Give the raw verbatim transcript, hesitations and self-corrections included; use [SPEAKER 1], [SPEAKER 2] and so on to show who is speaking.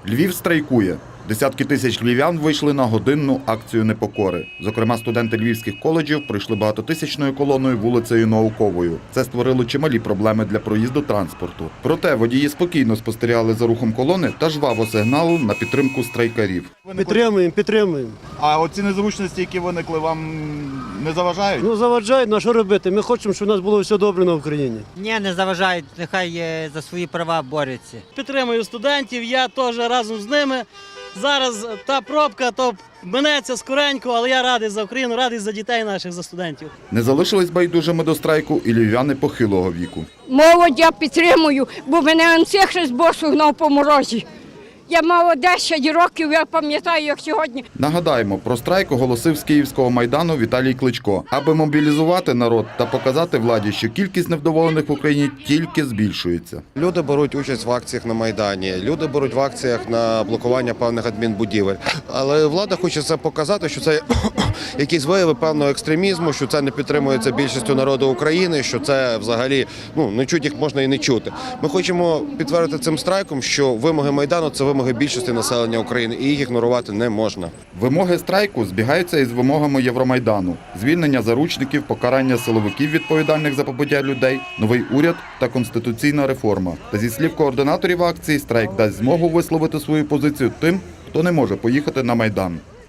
[SPEAKER 1] Львів страйкує. Десятки тисяч львів'ян вийшли на годинну акцію непокори. Зокрема, студенти львівських коледжів пройшли багатотисячною колоною вулицею Науковою. Це створило чималі проблеми для проїзду транспорту. Проте водії спокійно спостерігали за рухом колони та жваво сигналу на підтримку страйкарів.
[SPEAKER 2] Підтримуємо, підтримуємо.
[SPEAKER 3] А оці незручності, які виникли, вам не заважають?
[SPEAKER 2] Ну заважають, на що робити? Ми хочемо, щоб у нас було все добре на Україні.
[SPEAKER 4] Ні, не заважають, нехай е, за свої права борються.
[SPEAKER 5] Підтримую студентів, я теж разом з ними. Зараз та пробка, то минеться скоренько, але я радий за Україну, радий за дітей наших, за студентів.
[SPEAKER 1] Не залишились байдужими до страйку і львів'яни похилого віку.
[SPEAKER 6] Молодь я підтримую, бо мене антихрист Бог гнав по морозі. Я мала десять років, я пам'ятаю, як сьогодні.
[SPEAKER 1] Нагадаємо, про страйк оголосив з Київського Майдану Віталій Кличко, аби мобілізувати народ та показати владі, що кількість невдоволених в Україні тільки збільшується.
[SPEAKER 7] Люди беруть участь в акціях на Майдані, люди беруть в акціях на блокування певних адмінбудівель. Але влада хоче це показати, що це якісь вияви певного екстремізму, що це не підтримується більшістю народу України, що це взагалі, ну, не чути їх можна і не чути. Ми хочемо підтвердити цим страйком, що вимоги Майдану – це вимоги більшості населення України, і їх ігнорувати не можна.
[SPEAKER 1] Вимоги страйку збігаються із вимогами Євромайдану: звільнення заручників, покарання силовиків, відповідальних за побиття людей, новий уряд та конституційна реформа. Та зі слів координаторів акції, страйк дасть змогу висловити свою позицію тим, хто не може поїхати на Майдан.